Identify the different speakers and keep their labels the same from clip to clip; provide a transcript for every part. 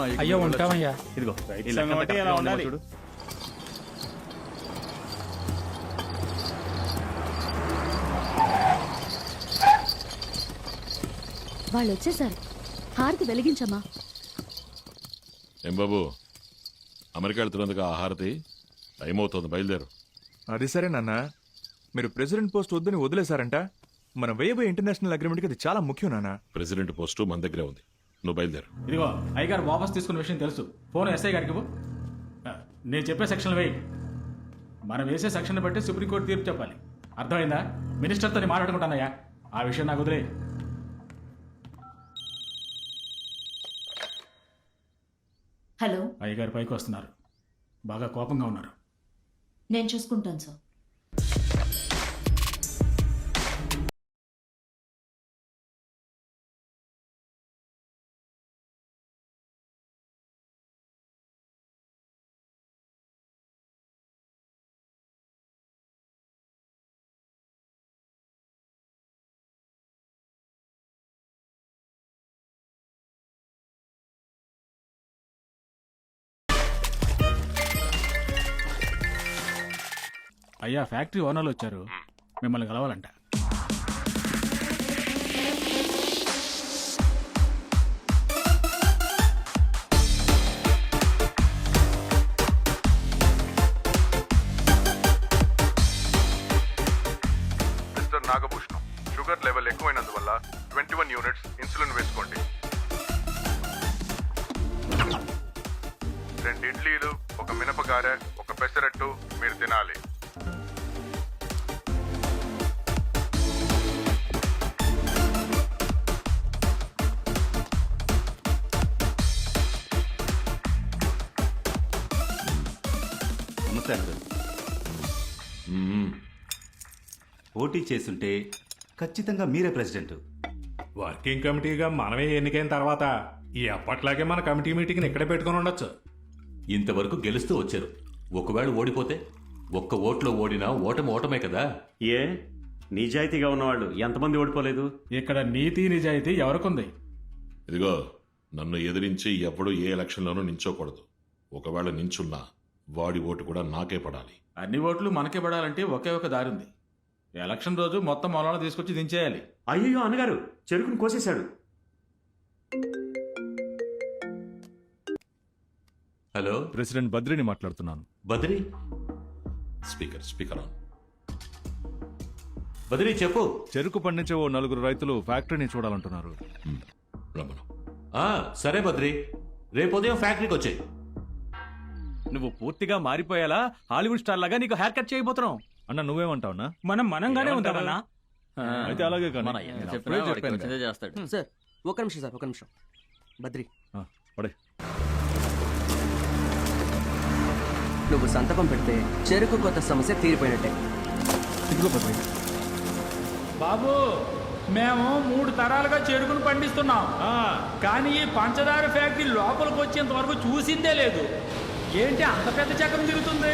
Speaker 1: అయ్యో ఉంటామయ్యా.
Speaker 2: ఇదిగో చూడు.
Speaker 3: వాళ్ళు వచ్చేసారు. హారతి వెలిగించమ్మా.
Speaker 4: ఏం బాబు, అమెరికా వెళ్తున్నందుకు ఆ హారతి? టైం అవుతుంది, బయలుదేరు.
Speaker 5: అది సరే నాన్న, మీరు ప్రెసిడెంట్ పోస్ట్ వద్దని వదిలేశారంట. మనం వేయబోయే ఇంటర్నేషనల్ అగ్రిమెంట్కి అది చాలా ముఖ్యం నాన్న.
Speaker 4: ప్రెసిడెంట్ పోస్టు మన దగ్గరే ఉంది, నువ్వు బయలుదేరు.
Speaker 1: ఇదిగో అయ్యగారు వాపస్ తీసుకున్న విషయం తెలుసు. ఫోన్ ఎస్ఐ గారికి ఇవ్వు. నేను చెప్పే సెక్షన్ వేయి. మనం వేసే సెక్షన్ బట్టి సుప్రీంకోర్టు తీర్పు చెప్పాలి. అర్థమైందా? మినిస్టర్తో నేను మాట్లాడుకుంటానయ్యా, ఆ విషయం నాకు వదిలే.
Speaker 6: హలో,
Speaker 1: అయ్యగారు పైకి వస్తున్నారు, బాగా కోపంగా ఉన్నారు.
Speaker 6: నేను చూసుకుంటాను సార్.
Speaker 1: అయ్యా, ఫ్యాక్టరీ ఓనర్లు వచ్చారు, మిమ్మల్ని కలవాలంట.
Speaker 7: మిస్టర్ నాగభూషణం, షుగర్ లెవెల్ ఎక్కువైనందువల్ల 21 యూనిట్స్ ఇన్సులిన్ వేసుకోండి. 2 ఇడ్లీలు, 1 మినపగారె, 1 పెసరట్టు మీరు తినాలి.
Speaker 8: పోటీ చేస్తుంటే ఖచ్చితంగా మీరే ప్రెసిడెంట్.
Speaker 2: వర్కింగ్ కమిటీగా మనమే ఎన్నికైన తర్వాత ఈ అప్పట్లాగే మన కమిటీ మీటింగ్ని ఇక్కడే పెట్టుకుని ఉండొచ్చు.
Speaker 9: ఇంతవరకు గెలుస్తూ వచ్చారు. ఒకవేళ ఓడిపోతే ఒక్క ఓట్లో ఓడినా ఓటమే కదా.
Speaker 10: ఏ నిజాయితీగా ఉన్నవాళ్ళు ఎంతమంది ఓడిపోలేదు?
Speaker 1: ఇక్కడ నీతి నిజాయితీ ఎవరికుంది?
Speaker 4: ఇదిగో, నన్ను ఎదిరించి ఎప్పుడు ఏ ఎలక్షన్లోనూ నించోకూడదు. ఒకవేళ నించున్నా వాడి ఓటు కూడా నాకే పడాలి.
Speaker 1: అన్ని ఓట్లు మనకే పడాలంటే ఒకే ఒక దారి ఉంది. ఎలక్షన్ రోజు మొత్తం మొలాలను తీసుకొచ్చి దించేయాలి.
Speaker 10: అయ్యో అన్నగారు, చెరుకును కోసేశాడు.
Speaker 9: హలో,
Speaker 5: ప్రెసిడెంట్ బద్రిని మాట్లాడుతున్నాను.
Speaker 9: Badri,
Speaker 4: speaker on.
Speaker 9: బద్రి చెప్పు.
Speaker 5: చెరుకు పండించే ఓ 4 రైతులు ఫ్యాక్టరీని చూడాలంటున్నారు.
Speaker 4: రమ్మను.
Speaker 9: సరే బద్రి, రేపు ఉదయం ఫ్యాక్టరీకి వచ్చాయి.
Speaker 2: నువ్వు పూర్తిగా మారిపోయేలా హాలీవుడ్ స్టార్ లాగా నీకు హెయిర్ కట్ చేయబోతున్నావు.
Speaker 5: అన్న నువ్వేమంటావునా?
Speaker 2: మనంగానే ఉంటామన్నా.
Speaker 5: అయితే అలాగే కానీ
Speaker 11: సార్ ఒక నిమిషం బద్రి,
Speaker 5: పడే.
Speaker 11: నువ్వు సంతకం పెడితే చెరుకు కొత్త సమస్య తీరిపోయినట్టే.
Speaker 5: ఇదిగో బద్రి.
Speaker 1: బాబు, మేము 3 తరాలుగా చెరుకును పండిస్తున్నాం, కానీ ఈ పంచదార ఫ్యాక్టరీ లోపలికి వచ్చేంత వరకు చూసిందే లేదు. ఏంటి అంత పెద్ద చక్రం తిరుగుతుంది?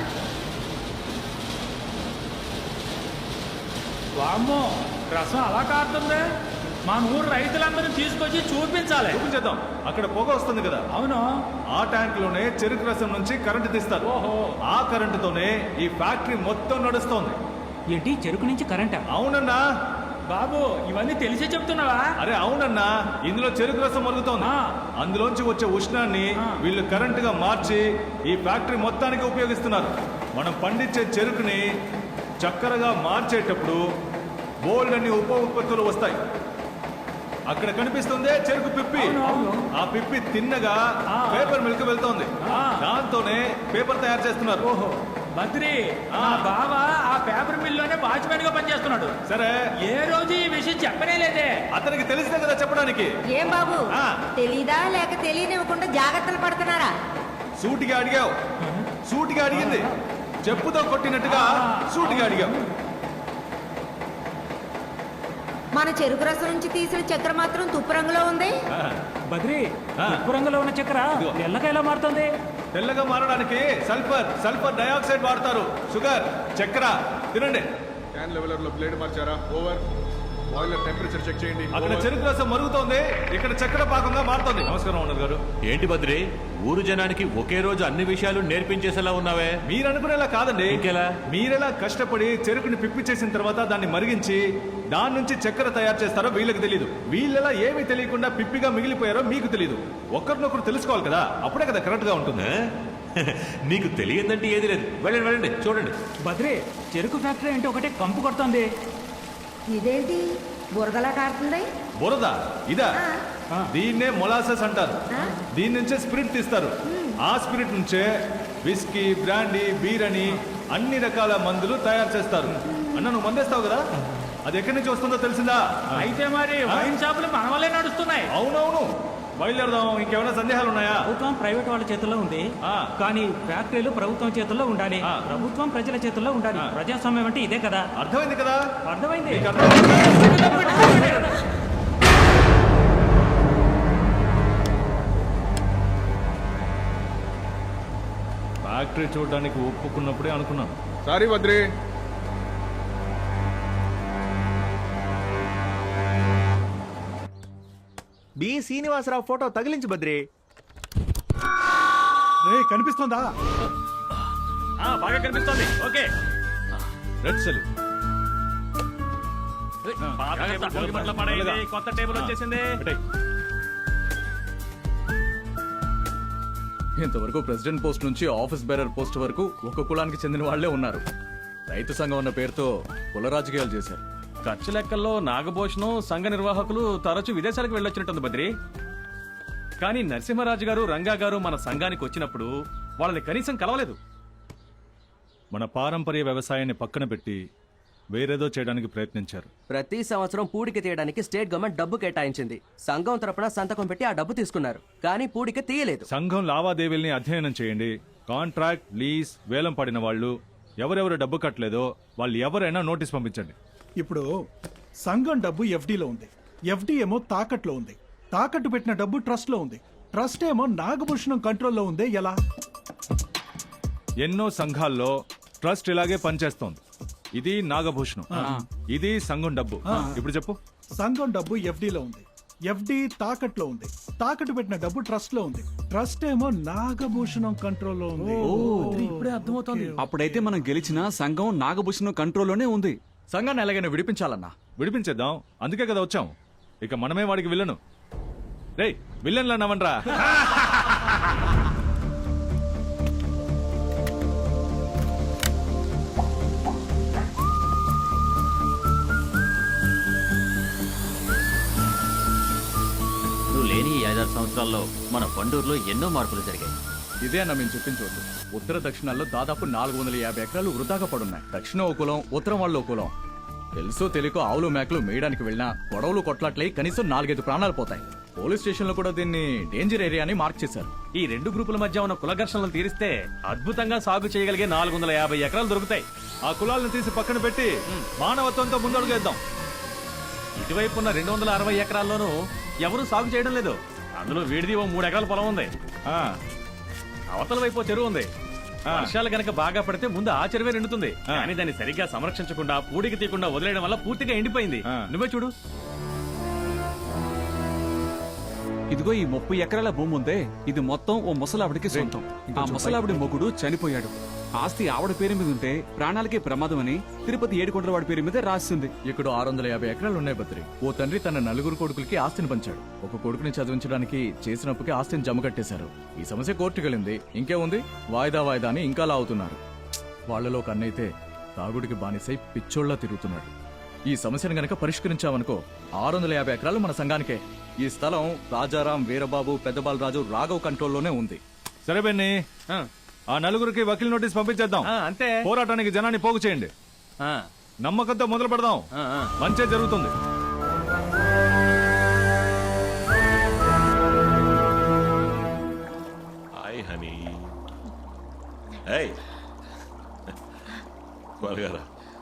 Speaker 1: వామ్మో, రసం అలా కారుతుంది. మా ఊరు రైతులందరూ తీసుకొచ్చి చూపించాలి.
Speaker 5: చూపించేద్దాం. అక్కడ పొగ వస్తుంది కదా.
Speaker 1: అవును,
Speaker 5: ఆ ట్యాంక్ లోనే చెరుకు రసం నుంచి కరెంటు తీస్తారు.
Speaker 1: ఓహో,
Speaker 5: ఆ కరెంటుతోనే ఈ ఫ్యాక్టరీ మొత్తం నడుస్తోంది.
Speaker 1: ఏంటి చెరుకు నుంచి కరెంటా?
Speaker 5: అవునన్నా.
Speaker 1: బాబు, ఇవన్నీ తెలిసే చెప్తున్నావా?
Speaker 5: అరే అవునన్నా, ఇందులో చెరుకు రసం మరుగుతోంది. అందులోంచి వచ్చే ఉష్ణాన్ని వీళ్ళు కరెంటుగా మార్చి ఈ ఫ్యాక్టరీ మొత్తానికి ఉపయోగిస్తున్నారు. మనం పండించే చెరుకుని చక్కెరగా మార్చేటప్పుడు బోల్డ్ అన్ని ఉప ఉత్పత్తులు వస్తాయి. అక్కడ కనిపిస్తుందే చెరుకు పిప్పి. ఆ పిప్పి తిన్నగా పేపర్ మిల్క్ వెళ్తోంది. దాంతోనే పేపర్ తయారు చేస్తున్నారు.
Speaker 1: ఓహో, బద్రి, బావ ఆ పేపర్ మిల్లోనే వాచ్మెన్ గా పనిచేస్తున్నాడు.
Speaker 5: సరే,
Speaker 1: ఏ రోజు ఈ విషయం చెప్పనే లేదే.
Speaker 5: అతనికి తెలిసిందే కదా చెప్పడానికి.
Speaker 3: ఏం బాబు, తెలీదా లేక తెలియనివ్వకుండా జాగ్రత్తలు పడుతున్నారా?
Speaker 5: సూటిగా అడిగావు. సూటిగా అడిగింది చెప్పుతో కొట్టినట్టుగా సూటిగా అడిగావు.
Speaker 3: మన చెరుకు రసం నుంచి తీసిన చక్కెర మాత్రం తుప్పు రంగులో ఉంది.
Speaker 1: బద్రి, తుప్పు రంగులో ఉన్న చక్కెర తెల్లగా ఎలా మారుతుంది?
Speaker 5: తెల్లగా మారడానికి సల్ఫర్ డయాక్సైడ్ వాడతారు. షుగర్, చక్కెర తినండి.
Speaker 7: క్యాన్ లెవెలర్ లో బ్లేడ్ మార్చారా? ఓవర్. బాయిలర్ టెంపరేచర్ చెక్ చేయండి.
Speaker 5: అక్కడ చెరుకు రసం మరుగుతోంది, ఇక్కడ చక్కెర పాకంగా మారుతోంది. నమస్కారం ఓనర్ గారు.
Speaker 9: ఏంటి బద్రి, ఊరు జనానికి ఒకే రోజు అన్ని విషయాలు నేర్పించేసేలా ఉన్నావే?
Speaker 5: మీరు అనుకునేలా కాదండి.
Speaker 9: ఇంకెలా?
Speaker 5: మీరెలా కష్టపడి చెరుకుని పిప్పి చేసిన తర్వాత దాన్ని మరిగించి దాని నుంచి చక్కెర తయారు చేస్తారో వీళ్ళకి తెలియదు. వీళ్ళెలా ఏమీ తెలియకుండా పిప్పిగా మిగిలిపోయారో మీకు తెలియదు. ఒకరినొకరు తెలుసుకోవాలి కదా, అప్పుడే కదా కరెక్ట్ గా ఉంటుంది.
Speaker 9: నీకు తెలియదంటే ఏది లేదు. వెళ్ళండి వెళ్ళండి, చూడండి.
Speaker 1: బద్రి, చెరుకు ఫ్యాక్టరీ అంటే ఒకటే కంపు కొడుతుంది.
Speaker 3: ఇదేంటి బురదలా కారుతుంది?
Speaker 5: బురద ఇదా? దీన్నే మొలాసెస్ అంటారు. దీని నుంచే స్పిరిట్ తీస్తారు. ఆ స్పిరిట్ నుంచే విస్కీ, బ్రాండీ, బీర్ అని అన్ని రకాల మందులు తయారు చేస్తారు. అన్న నువ్వు మందేస్తావు కదా, అది ఎక్కడి నుంచి వస్తుందో తెలిసిందా?
Speaker 1: అయితే మరి వైన్ షాపులు మన వల్లే నడుస్తున్నాయి.
Speaker 5: అవునవును, బయలుదేరదాం. ఇంకేమైనా సందేహాలు ఉన్నాయా?
Speaker 1: ప్రభుత్వం ప్రైవేట్ వాళ్ళ చేతుల్లో ఉంది, కానీ ఫ్యాక్టరీలు ప్రభుత్వం చేతుల్లో ఉండాలి. ప్రభుత్వం ప్రజల చేతుల్లో ఉండాలి. ప్రజాస్వామ్యం అంటే ఇదే కదా.
Speaker 5: అర్థమైంది కదా?
Speaker 1: అర్థమైంది.
Speaker 5: మీకు అర్థమైంది? ఫ్యాక్టరీ చూడడానికి ఒప్పుకున్నప్పుడే అనుకున్నాను.
Speaker 7: Sorry Badri.
Speaker 11: B Srinivasarao photo తగిలించు బద్రి.
Speaker 1: కనిపిస్తుందా? బాగా కనిపిస్తోంది. Okay,
Speaker 5: red cell.
Speaker 1: కొత్త టేబుల్ వచ్చేసింది.
Speaker 12: ఇంతవరకు ప్రెసిడెంట్ పోస్ట్ నుంచి ఆఫీస్ బేరర్ పోస్ట్ వరకు ఒక కులానికి చెందిన వాళ్లే ఉన్నారు. రైతు సంఘం ఉన్న పేరుతో కుల రాజకీయాలు చేశారు.
Speaker 1: ఖర్చు లెక్కల్లో నాగభూషణం సంఘ నిర్వాహకులు తరచూ విదేశాలకు వెళ్ళొచ్చినట్టుంది బద్రి. కానీ నరసింహరాజు గారు, రంగా గారు మన సంఘానికి వచ్చినప్పుడు వాళ్ళని కనీసం కలవలేదు.
Speaker 5: మన పారంపర్య వ్యవసాయాన్ని పక్కన పెట్టి వేరేదో చేయడానికి ప్రయత్నించారు.
Speaker 11: ప్రతి సంవత్సరం పూడిక తీయడానికి స్టేట్ గవర్నమెంట్ డబ్బు కేటాయించింది. సంఘం తరపున సంతకం పెట్టి ఆ డబ్బు తీసుకున్నారు, కానీ పూడిక తీయలేదు.
Speaker 5: సంఘం లావాదేవీల్ని అధ్యయనం చేయండి. కాంట్రాక్ట్, లీజ్, వేలం పడిన వాళ్ళు ఎవరెవరు డబ్బు కట్టలేదో వాళ్ళు ఎవరైనా నోటీస్ పంపించండి.
Speaker 13: ఇప్పుడు సంఘం డబ్బు ఎఫ్డీలో ఉంది, ఎఫ్డీ ఏమో తాకట్లో ఉంది, తాకట్టు పెట్టిన డబ్బు ట్రస్ట్ లో ఉంది, ట్రస్ట్ ఏమో నాగభూషణం కంట్రోల్లో ఉందే ఎలా?
Speaker 5: ఎన్నో సంఘాల్లో ట్రస్ట్ ఇలాగే పనిచేస్తోంది. ఇది నాగభూషణం, ఇది సంఘం డబ్బు. ఇప్పుడు చెప్పు.
Speaker 13: సంఘం డబ్బు ఎఫ్డీలో ఉంది, ఎఫ్డీ తాకట్లో ఉంది, తాకట్టు పెట్టిన డబ్బు ట్రస్ట్ లో ఉంది, ట్రస్ట్ ఏమో నాగభూషణం కంట్రోల్లో ఉంది.
Speaker 1: ఇప్పుడే అర్థమవుతోంది.
Speaker 12: అప్పుడైతే మనం గెలిచిన సంఘం నాగభూషణం కంట్రోల్లోనే ఉంది. సంఘాన్ని ఎలాగైనా విడిపించాలన్నా.
Speaker 5: విడిపించేద్దాం, అందుకే కదా వచ్చాం. ఇక మనమే వాడికి విల్లను. రేయ్ విల్లన్లు అన్నావనరా?
Speaker 9: నువ్వు లేని ఈ 5-6 సంవత్సరాల్లో మన పండూరులో ఎన్నో మార్పులు జరిగాయి.
Speaker 12: ఇదే అన్న మేము చెప్పించవద్దు. ఉత్తర దక్షిణాల్లో దాదాపు 450 ఎకరాలు వృధాగా పడున్నాయి. దక్షిణ ఓ కులం, ఉత్తరం వాళ్ళు ఓ కులం. తెలుసో తెలియకో ఆవులు మేకలు మేయడానికి వెళ్ళినా గొడవలు కొట్లాట్లయి కనీసం 4-5 ప్రాణాలు పోతాయి. పోలీస్ స్టేషన్ లో కూడా దీన్ని డేంజర్ ఏరియా అని మార్క్ చేశారు.
Speaker 1: ఈ రెండు గ్రూపుల మధ్య ఉన్న కుల ఘర్షణలు తీరిస్తే అద్భుతంగా సాగు చేయగలిగే 450 ఎకరాలు దొరుకుతాయి.
Speaker 5: ఆ కులాలను తీసి పక్కన పెట్టి మానవత్వంతో ముందడుగేద్దాం.
Speaker 1: ఇటువైపు ఉన్న 260 ఎకరాల్లోనూ ఎవరూ సాగు చేయడం లేదు. అందులో వీడిది ఓ 3 ఎకరాల పొలం ఉంది. అవతల వైపు ఓ చెరువు ఉంది. వర్షాలు గనక బాగా పడితే ముందు ఆ చెరువే నిండుతుంది. కానీ దాన్ని సరిగ్గా సంరక్షించకుండా, పూడికి తీయకుండా వదిలేయడం వల్ల పూర్తిగా ఎండిపోయింది. నువ్వే చూడు.
Speaker 12: ఇదిగో ఈ 30 ఎకరాల భూమి ఉందే, ఇది మొత్తం ఓ ముసలావిడికి సొంతం. ఆ ముసలావిడి మొగుడు చనిపోయాడు. ఆస్తి ఆవిడ పేరు మీద ఉంటే ప్రాణాలకే ప్రమాదం అని తిరుపతి ఏడుకొండల వాడి పేరు మీద రాసింది. ఇక్కడ 650 ఎకరాలు ఉన్నాయి బద్రి. ఓ తండ్రి తన 4 కొడుకులకి ఆస్తిని పంచాడు. ఒక కొడుకుని చదివించడానికి చేసినప్పుకే ఆస్తిని జమ కట్టేశారు. ఈ సమస్య కోర్టుకెళ్ళింది. ఇంకేముంది, వాయిదా వాయిదా అని ఇంకా లావుతున్నారు. వాళ్లలో కన్నైతే తాగుడికి బానిసై పిచ్చోళ్లా తిరుగుతున్నాడు. ఈ సమస్యను గనక పరిష్కరించామనుకో 650 ఎకరాలు మన సంఘానికే. ఈ స్థలం రాజారాం, వీరబాబు, పెద్దబాలరాజు, రాఘవ్ కంట్రోల్లోనే ఉంది.
Speaker 5: సరే బెన్ని, ఆ 4 వకీల్ నోటీస్ పంపించేద్దాం.
Speaker 1: అంతే.
Speaker 5: పోరాటానికి జనాన్ని పోగు చేయండి. నమ్మకంతో మొదలు పెడదాం. మంచే జరుగుతుంది.
Speaker 4: Hi honey. ఏయ్ త్వరగా.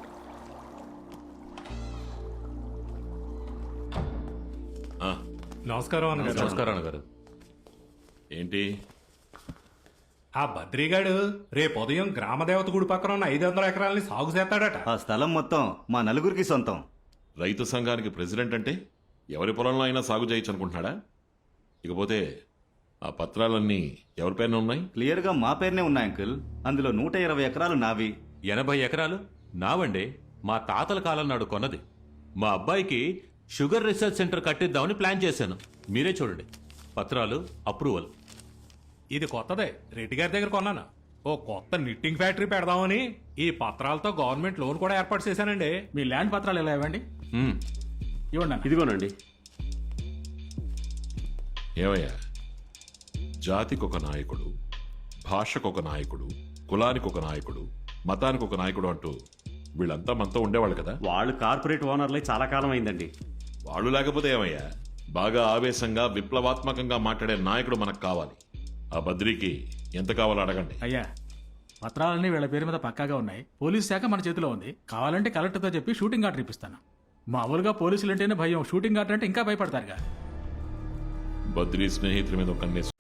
Speaker 2: నమస్కారం అన్నగారు.
Speaker 9: నమస్కారం అన్నగారు.
Speaker 4: ఏంటి
Speaker 2: ఆ బద్రిగాడు రేపు ఉదయం గ్రామదేవత గుడి పక్కన ఉన్న 500 ఎకరాలని సాగు చేస్తాడట.
Speaker 8: ఆ స్థలం మొత్తం మా నలుగురికి సొంతం.
Speaker 4: రైతు సంఘానికి ప్రెసిడెంట్ అంటే ఎవరి పొలంలో అయినా సాగు చేయొచ్చు అనుకుంటున్నాడా? ఇకపోతే ఆ పత్రాలన్నీ ఎవరి పేరున ఉన్నాయి?
Speaker 8: క్లియర్గా మా పేరునే ఉన్నాయి అంకుల్. అందులో 120 ఎకరాలు నావి.
Speaker 9: 80 ఎకరాలు నావండి. మా తాతల కాలం నాడు కొన్నది. మా అబ్బాయికి షుగర్ రీసెర్చ్ సెంటర్ కట్టిద్దామని ప్లాన్ చేశాను. మీరే చూడండి, పత్రాలు, అప్రూవల్.
Speaker 2: ఇది కొత్తదే, రెడ్డి గారి దగ్గర కొన్నాను. ఓ కొత్త నిట్టింగ్ ఫ్యాక్టరీ పెడదామని ఈ పత్రాలతో గవర్నమెంట్ లోన్ కూడా ఏర్పాటు చేశానండి.
Speaker 1: మీ ల్యాండ్ పత్రాలు ఎలా ఇవ్వండి?
Speaker 9: మ్మ్.
Speaker 1: ఇవ్వండి అన్న.
Speaker 10: ఇదిగోనండి.
Speaker 4: ఏమయ్యా, జాతికి ఒక నాయకుడు, భాషకు ఒక నాయకుడు, కులానికి ఒక నాయకుడు, మతానికి ఒక నాయకుడు అంటూ వీళ్ళంతా మనతో ఉండేవాళ్ళు కదా.
Speaker 10: వాళ్ళు కార్పొరేట్ ఓనర్లై చాలా కాలం అయిందండి.
Speaker 4: వాళ్ళు లేకపోతే ఏమయ్యా, బాగా ఆవేశంగా విప్లవాత్మకంగా మాట్లాడే నాయకుడు మనకు కావాలి. ఆ బద్రికి ఎంత కావాలో అడగండి.
Speaker 1: అయ్యా, పత్రాలన్నీ వీళ్ళ పేరు మీద పక్కాగా ఉన్నాయి. పోలీస్ శాఖ మన చేతిలో ఉంది. కావాలంటే కలెక్టర్తో చెప్పి షూటింగ్ ఆర్డర్ ఇప్పిస్తాను. మామూలుగా పోలీసులు అంటేనే భయం, షూటింగ్ ఆర్డర్ అంటే ఇంకా భయపడతారుగా.
Speaker 4: బద్రీ స్నేహితుల మీద ఒక కన్నేసి